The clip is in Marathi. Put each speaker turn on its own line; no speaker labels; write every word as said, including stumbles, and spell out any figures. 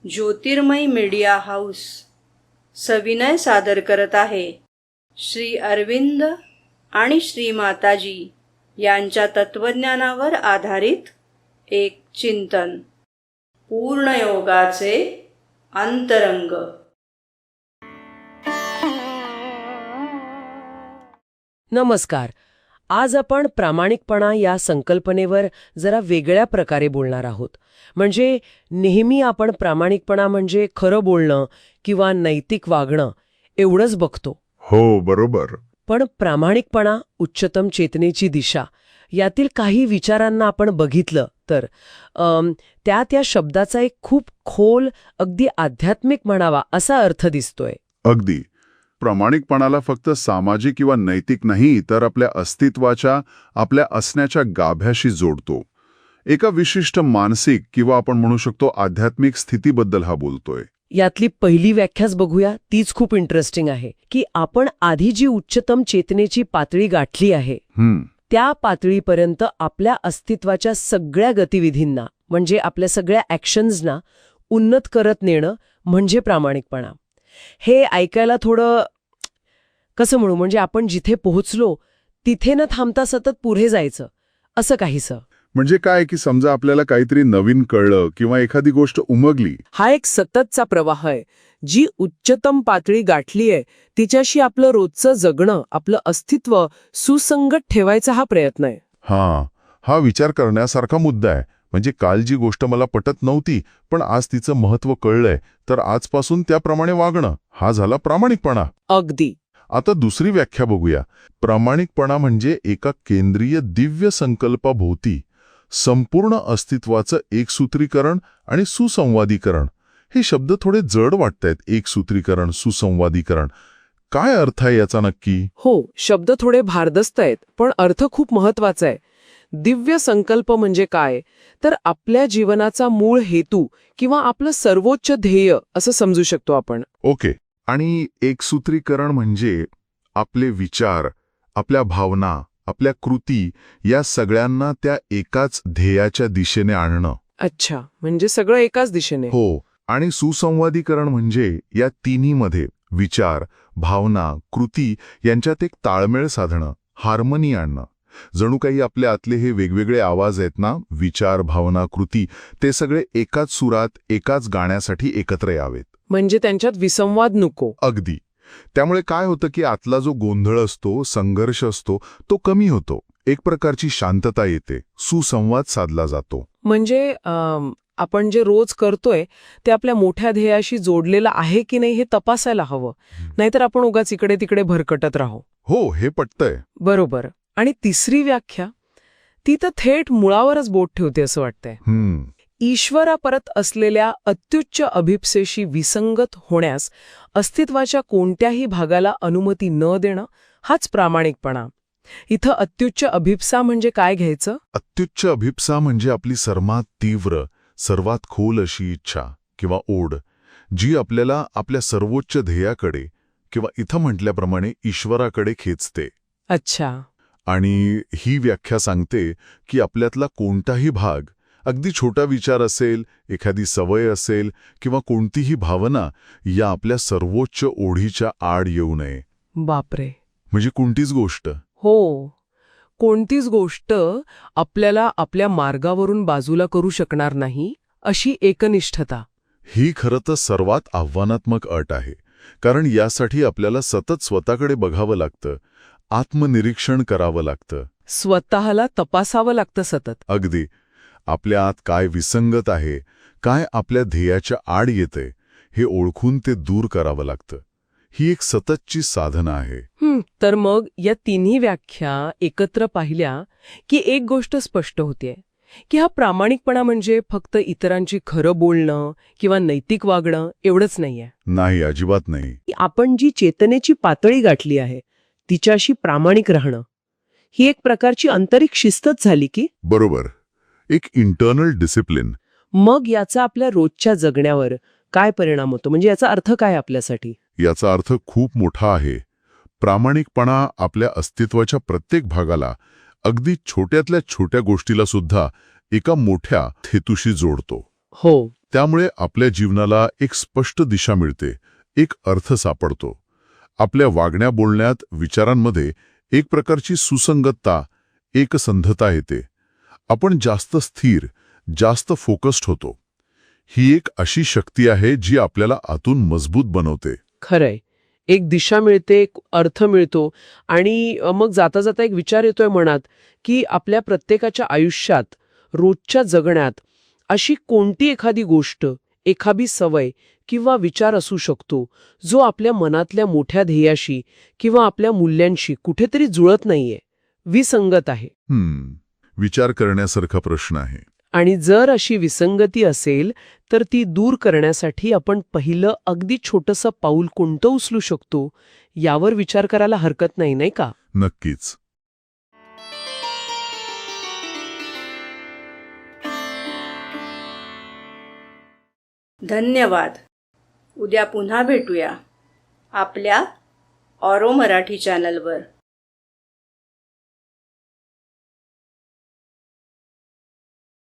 ज्योतिर्मय मीडिया हाऊस सविनय सादर करत आहे श्री अरविंद आणि श्री माताजी यांच्या तत्वज्ञानावर आधारित एक चिंतन, पूर्णयोगाचे अंतरंग.
नमस्कार. आज आपण प्रामाणिकपणा या संकल्पनेवर जरा वेगळ्या प्रकारे बोलणार आहोत. म्हणजे नेहमी आपण प्रामाणिकपणा म्हणजे खरं बोलणं किंवा नैतिक वागणं एवढंच बघतो.
हो, बरोबर.
पण प्रामाणिकपणा, उच्चतम चेतनेची दिशा यातील काही विचारांना आपण बघितलं तर अम, त्या त्या शब्दाचा एक खूप खोल, अगदी आध्यात्मिक म्हणावा असा अर्थ दिसतोय.
अगदी. प्रामाणिकपणाला फक्त सामाजिक किंवा नैतिक नाही, तर आपल्या अस्तित्वाच्या, आपल्या असण्याच्या गाभ्याशी जोडतो. एका विशिष्ट मानसिक किंवा आपण म्हणू शकतो आध्यात्मिक स्थितीबद्दल हा बोलतोय.
यातली पहिली व्याख्याच बघूया. तीच खूप इंटरेस्टिंग आहे की आपण आधी जी उच्चतम चेतनेची पातळी गाठली आहे
हम्म
त्या पातळीपर्यंत आपल्या अस्तित्वाच्या सगळ्या गतिविधींना, म्हणजे आपल्या सगळ्या ॲक्शन्सना उन्नत करत नेणं म्हणजे प्रामाणिकपणा. हे ऐकायला थोडं कसं म्हणू, म्हणजे आपण जिथे पोहोचलो तिथे न थांबता सतत पुढे जायचं असं काहीसं.
म्हणजे काय की समजा आपल्याला काहीतरी नवीन कळलं किंवा एखादी गोष्ट उमगली.
हा एक सततचा प्रवाह आहे. जी उच्चतम पातळी गाठली आहे तिच्याशी आपलं रोजचं जगणं, आपलं अस्तित्व सुसंगत ठेवायचा हा प्रयत्न आहे.
हा हा विचार करण्यासारखा मुद्दा आहे. म्हणजे काल जी गोष्ट मला पटत नव्हती, पण आज तिचं महत्त्व कळलंय, तर आजपासून त्याप्रमाणे वागणं हा झाला प्रामाणिकपणा.
अगदी.
आता दुसरी व्याख्या बघूया. प्रामाणिकपणा म्हणजे एका केंद्रीय दिव्य संकल्पाभोवती संपूर्ण अस्तित्वाचं एकसूत्रीकरण आणि सुसंवादीकरण. हे शब्द थोडे जड वाटतायत. एकसूत्रीकरण, सुसंवादीकरण. काय अर्थ आहे याचा नक्की?
हो, शब्द थोडे भारदस्त आहेत, पण अर्थ खूप महत्वाचा आहे. दिव्य संकल्प म्हणजे काय, तर आपल्या जीवनाचा मूळ हेतू किंवा आपलं सर्वोच्च ध्येय असं समजू शकतो आपण.
ओके. आणि एकसूत्रीकरण म्हणजे आपले विचार, आपल्या भावना, आपल्या कृती या सगळ्यांना त्या एकाच ध्येयाच्या दिशेने आणणं.
अच्छा, म्हणजे सगळं एकाच दिशेने.
हो. आणि सुसंवादीकरण म्हणजे या तिन्हीमध्ये विचार, भावना, कृती यांच्यात एक ताळमेळ साधणं, हार्मनी आणणं. जणू काही आपल्या आतले हे वेगवेगळे आवाज आहेत ना, विचार, भावना, कृती, ते सगळे एकाच सुरात, एकाच गाण्यासाठी एकत्र यावेत.
म्हणजे त्यांच्यात विसंवाद नको.
अगदी. त्यामुळे काय होतं की आतला जो गोंधळ असतो, संघर्ष असतो, तो कमी होतो. एक प्रकारची शांतता येते, सुसंवाद साधला जातो.
म्हणजे अम, आपण जे रोज करतोय ते आपल्या मोठ्या ध्येयाशी जोडलेलं आहे की नाही हे तपासायला हवं. नाहीतर आपण उगाच इकडे तिकडे भरकटत राहू.
हो, हे पटतंय.
बरोबर. आणि तिसरी व्याख्या, ती तर थेट मुळावरच बोट ठेवते असं वाटतंय.
हम्म
ईश्वरापरत असलेल्या अत्युच्च अभिप्सेशी विसंगत होण्यास अस्तित्वाच्या कोणत्याही भागाला अनुमती न देणं हाच प्रामाणिकपणा. इथं अत्युच्च अभिप्सा म्हणजे काय घ्यायचं?
अत्युच्च अभिप्सा म्हणजे आपली सर्वात तीव्र, सर्वात खोल अशी इच्छा किंवा ओढ, जी आपल्याला आपल्या सर्वोच्च ध्येयाकडे किंवा इथं म्हटल्याप्रमाणे ईश्वराकडे खेचते.
अच्छा.
आणि ही व्याख्या सांगते की आपल्यातला कोणताही भाग, अगदी छोटा विचार असेल, एखादी सवय असेल किंवा कोणतीही भावना, या आपल्या सर्वोच्च ओढीच्या आड येऊ नये.
बापरे.
म्हणजे कोणतीच गोष्ट.
हो, कोणतीच गोष्ट आपल्याला आपल्या मार्गावरून बाजूला करू शकणार नाही अशी एकनिष्ठता.
ही खरं तर सर्वात आव्हानात्मक अट आहे. कारण यासाठी आपल्याला सतत स्वतःकडे बघावं लागतं, आत्मनिरीक्षण करावं लागतं,
स्वतःला तपासावं लागतं सतत.
अगदी. आपल्या आत काय विसंगत आहे, काय आपल्या ध्येयाच्या आड येते, हे ओळखून ते दूर करावं लागतं. ही एक सततची साधना आहे.
हं, तर मग या तिन्ही व्याख्या एकत्र पाहिल्या की एक गोष्ट स्पष्ट होतीये की हा प्रामाणिकपणा म्हणजे फक्त इतरांची खरं बोलणं किंवा नैतिक वागणं एवढंच नाहीये.
नाही, अजिबात नाही.
आपण जी चेतनेची पातळी गाठली आहे तिच्याशी प्रामाणिक राहणं ही एक प्रकारची आंतरिक शिस्तच झाली की.
बरोबर. एक इंटरनल डिसिप्लिन.
मग याचा आपल्या रोजच्या जगण्यावर काय परिणाम होतो, म्हणजे याचा अर्थ काय आपल्यासाठी?
याचा अर्थ खूप मोठा आहे. प्रामाणिकपणा आपल्या अस्तित्वाच्या प्रत्येक भागाला, अगदी छोट्यातल्या छोट्या गोष्टीला सुद्धा एका मोठ्या हेतूशी जोडतो.
हो,
त्यामुळे आपल्या जीवनाला एक स्पष्ट दिशा मिळते, एक अर्थ सापडतो. आपल्या वागण्या बोलण्यात, विचारांमध्ये एक प्रकारची सुसंगतता, एकसंधता येते. आपण जास्त स्थिर, जास्त फोकस्ड होतो. ही एक अशी शक्ती आहे जी आपल्याला आतून मजबूत बनवते.
खरंय. एक दिशा मिळते, एक अर्थ मिळतो आणि अ, मग जाता जाता एक विचार येतोय मनात, की आपल्या प्रत्येकाच्या आयुष्यात, रोजच्या जगण्यात अशी कोणती एखादी गोष्ट, एखादी सवय किंवा विचार असू शकतो, जो आपल्या मनातल्या मोठ्या ध्येयाशी किंवा आपल्या मूल्यांशी कुठेतरी जुळत नाहीये, विसंगत आहे.
हम्म, विचार करण्यासारखा प्रश्न आहे.
आणि जर अशी विसंगती असेल तर ती दूर करण्यासाठी आपण पहिलं अगदी छोटंसं पाऊल कोणतं उचलू शकतो यावर विचार करायला हरकत नाही, नाही का?
नक्कीच.
धन्यवाद. उद्या पुन्हा भेटूया आपल्या ऑरो मराठी चॅनलवर.